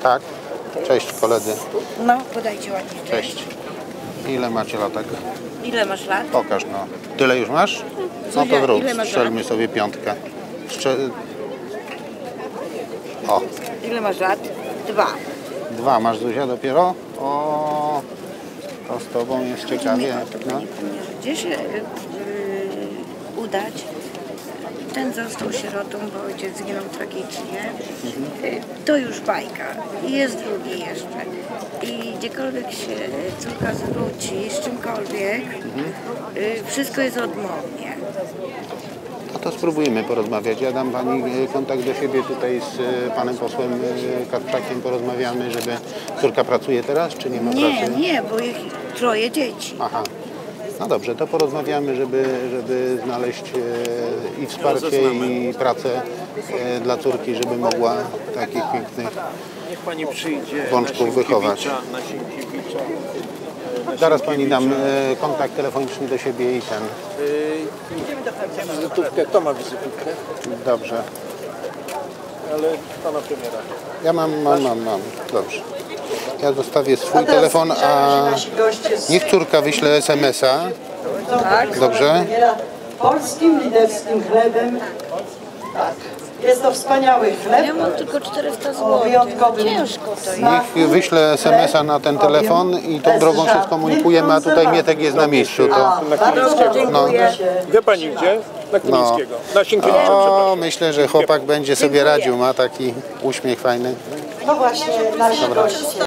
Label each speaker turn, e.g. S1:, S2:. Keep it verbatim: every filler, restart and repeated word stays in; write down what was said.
S1: Tak. Cześć koledzy.
S2: No, podajcie ładnie.
S1: Cześć. Ile macie latek?
S2: Ile masz lat?
S1: Pokaż no. Tyle już masz? No
S2: Zuzia,
S1: to zrób.
S2: ile masz
S1: Strzelmy
S2: lat?
S1: sobie piątkę. Strzel... O.
S2: Ile masz lat? Dwa.
S1: Dwa masz, Zuzia, dopiero? O. To z tobą jest ciekawie. No.
S2: Gdzie się yy, udać? Ten został sierotą, bo ojciec zginął tragicznie. Yy, to już bajka. I jest drugi jeszcze. I gdziekolwiek się córka zwróci, z czymkolwiek, yy, wszystko jest odmownie.
S1: No to spróbujmy porozmawiać. Ja dam pani kontakt do siebie tutaj z panem posłem Karpczakiem. Porozmawiamy, żeby... Córka pracuje teraz, czy nie ma
S2: Nie,
S1: pracy?
S2: nie, bo ich troje dzieci.
S1: Aha. No dobrze, to porozmawiamy, żeby, żeby znaleźć e, i wsparcie, i pracę e, dla córki, żeby mogła takich pięknych
S3: Niech pani przyjdzie
S1: bączków wychować.
S3: na Sienkiewicza.
S1: Zaraz pani dam e, kontakt telefoniczny do siebie i ten.
S3: Yy, wizytówkę, kto ma wizytówkę?
S1: Dobrze.
S3: Ale pana premiera.
S1: Ja mam, mam, mam, mam. Dobrze. Ja zostawię swój telefon, a niech córka wyśle es em es a.
S2: Tak?
S1: Dobrze?
S4: Polskim liderskim chlebem. Tak. Jest to wspaniały chleb.
S2: Ja mam tylko czterysta
S4: O
S2: złotych.
S4: wyjątkowym
S2: Ciężko to jest.
S1: Niech wyśle es em es a na ten telefon i tą drogą się skomunikujemy, a tutaj Mietek jest na miejscu. To,
S3: Na Kilińskiego.
S1: no.
S3: Wie pani gdzie? Na Kilińskiego. Na Sienkiewicza, przepraszam.
S1: O, myślę, że chłopak będzie sobie radził, ma taki uśmiech fajny.
S4: No właśnie, nasi goście.